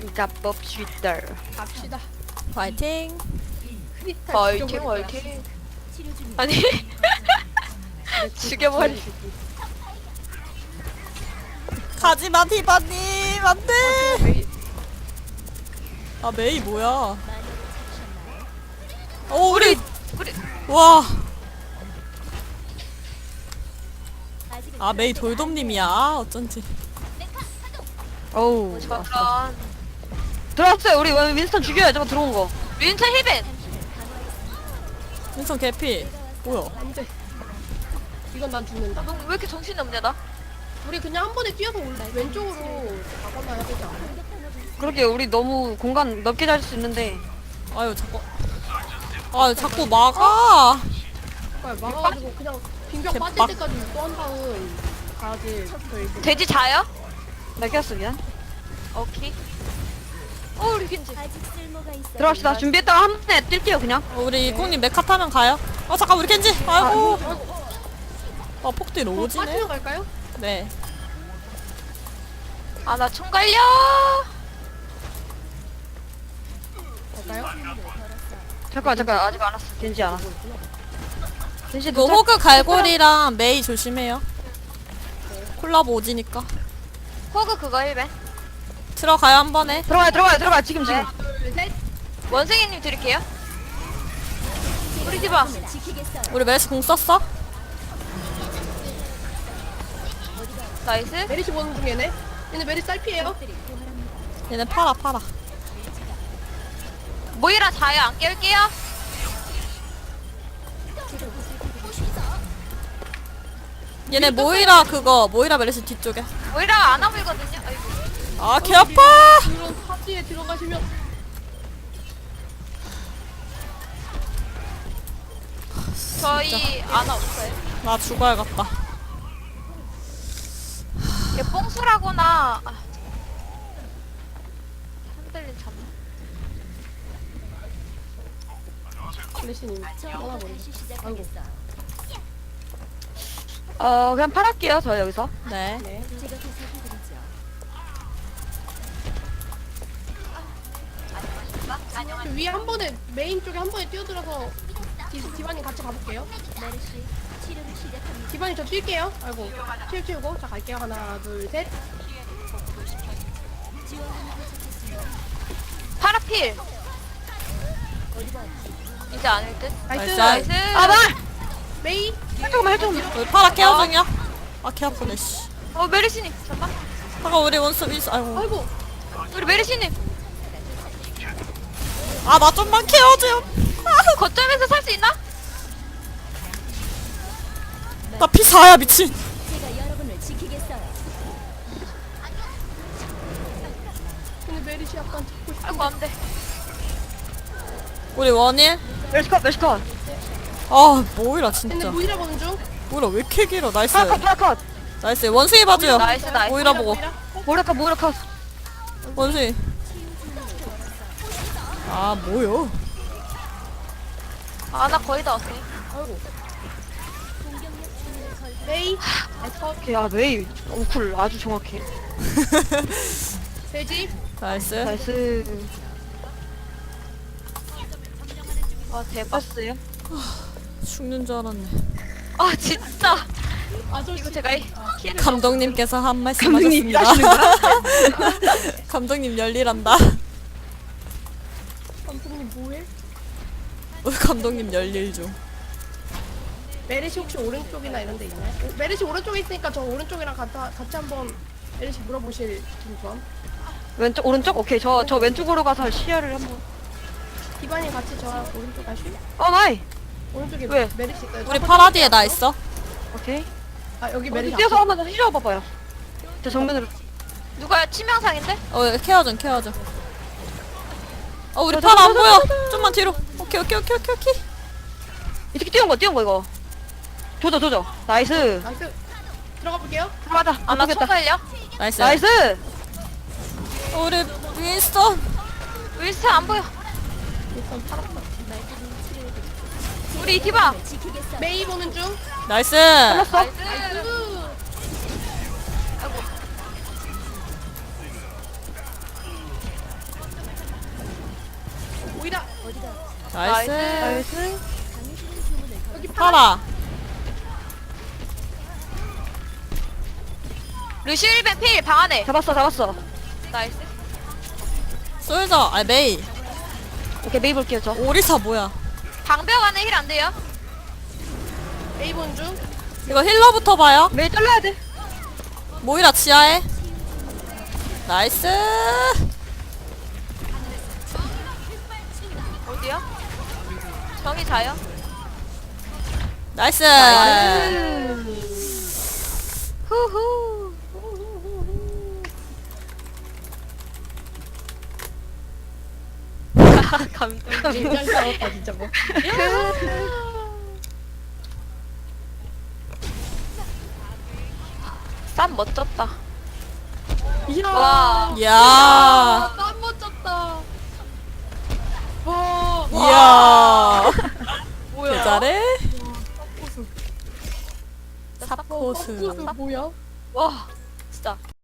가봅시다. 갑시다. 파이팅. 크리스탈 화이팅 죽여버릴 거야. 화이팅. 아니 죽여버리. 가지마 디바님 안돼. 메이- 아 메이 뭐야? 오 우리 우리 와. 아 메이 돌돔님이야. 아, 어쩐지. 어우 잠깐 들어왔어요. 우리 윈스턴 죽여야 저거 들어온 거. 윈스턴 힐벤. 윈선 개피. 뭐야? 안 돼. 이건 난 죽는다. 너 왜 이렇게 정신이 없냐 나? 우리 그냥 한 번에 뛰어서 왼쪽으로 가거나 해야 되지 않아? 그러게 우리 너무 공간 넓게 잘 수 있는데. 아유 자꾸. 아 자꾸 막아. 그러니까 막아가지고 그냥 빙벽 개빡. 빠질 때까지 또 한 다음 가야지. 저희 돼지 자요? 나 꼈어 미안. 오케이. 우리 겐지. 들어갑시다. 준비했다가 한 번에 뛸게요 그냥. 우리 꽁님 메카 타면 가요. 아 잠깐 우리 켄지. 아이고. 아이고, 아 폭딜 오지네. 빠지면 갈까요? 네. 아 나 총 갈려. 갈까요? 잠깐 아직 안 왔어. 겐지 안 왔어. 겐지 이거 호그 갈고리랑 메이 조심해요. 콜라보 오지니까. 호그 그거 힐벤. 들어가요 한 번에. 들어가요 지금. 둘, 셋. 원숭이님 드릴게요. 우리 집아. 우리 메시 공 썼어? 나이스. 메리시 보는 중에네. 얘네 메리시 딸피에요. 얘네 팔아. 모이라 자요. 안 깨울게요. 얘네 모이라 메르시 뒤쪽에. 모이라가 안 아물거든요. 아이고. 아 개 아파. 그런 파지에 들어가시면 저희 아나 없어요. 나 죽어야겠다. 이게 뽕수라거나. 흔들린 참. 메리시님 떠나버리죠. 아이고. 그냥 팔할게요. 저 여기서. 네. 네. 그 위에 한 번에 메인 쪽에 한 번에 뛰어들어서 디바님 같이 가볼게요. 디바님 저 뛸게요. 아이고 치우고 자 갈게요. 하나 둘 셋. 파라필. 이제 아닐 듯. 나이스. 나이스. 아 나. 메이. 잠깐만. 우리 파라 케어 중이야. 아 개 아프네 씨. 메리시님 잠깐. 잠깐 우리 원수 윈스. 아이고. 아이고. 우리 메리시님 아 나 좀만 케어 좀. 거점에서 살 수 있나? 나 P4야 미친. 근데 메리시 약간 잡고 싶어. 아이고 안 돼. 우리 원일. 메리시컷. 아 모이라 근데 진짜. 모이라 보는 중. 모이라 왜 이렇게 길어. 나이스. 파라컷. 나이스. 원숭이 봐줘요. 나이스. 모이라 보고. 모이라컷. 원숭이. 아 뭐요? 아 나 거의 다 왔어. 아이고. 메이. 오케이. 아 메이 쿨 아주 정확해. 돼지. 나이스. 나이스. 아 대박스요? 죽는 줄 알았네. 아 진짜. 아저씨. 이거 제가 키를 감독님께서 한 말씀 감독님 하셨습니다. 감독님 열일한다. 감독님 뭐해? 우리 감독님 열일 중. 메리시 혹시 오른쪽이나 이런 데 있나요? 메리시 오른쪽에 있으니까 저 오른쪽이랑 같이 한번 메리시 물어보실 좀. 왼쪽 오른쪽? 오케이 저 왼쪽으로 가서 시야를 한번. 디바님 같이 저 오른쪽 가실? 나이. 오른쪽에 왜? 메리시 있어요. 우리 파라디에 나 있어. 오케이. 아 여기 메리시 뛰어서 한번 힐러 봐봐요. 저 정면으로. 누가요? 치명상인데? 케어 좀. 우리 저, 파라 안 저, 보여. 저, 좀만 뒤로. 오케이. 이렇게 뛰어온 거. 조져. 나이스. 나이스. 들어가 볼게요. 들어가자. 안 나 나겠다. 총 나이스. 나이스. 우리 윈스턴. 윌슨 안 보여. 일단 팔았다. 우리 디바. 메이 보는 중. 나이스. 걸렸어. 나이스. 나이스. 나이스. 여기 파라. 루시 1벤 필 방 안에. 잡았어. 나이스. 솔저. 아 메이. 오케이 메이 볼게요 저. 오리사 뭐야? 방벽 안에 힐 안 돼요? 메이본 중. 이거 힐러부터 봐요. 메이 잘라야 돼. 모이라 지하에. 나이스. 어디요? 정이 자요? 나이스. 후후. 감동이. 잘 싸웠다 진짜 뭐. 쌈 멋졌다. 이야. 와. 이야. 땀 멋졌다. 와. 이야. 뭐야? 잘해. 포스 사포스. 뭐야? 와 진짜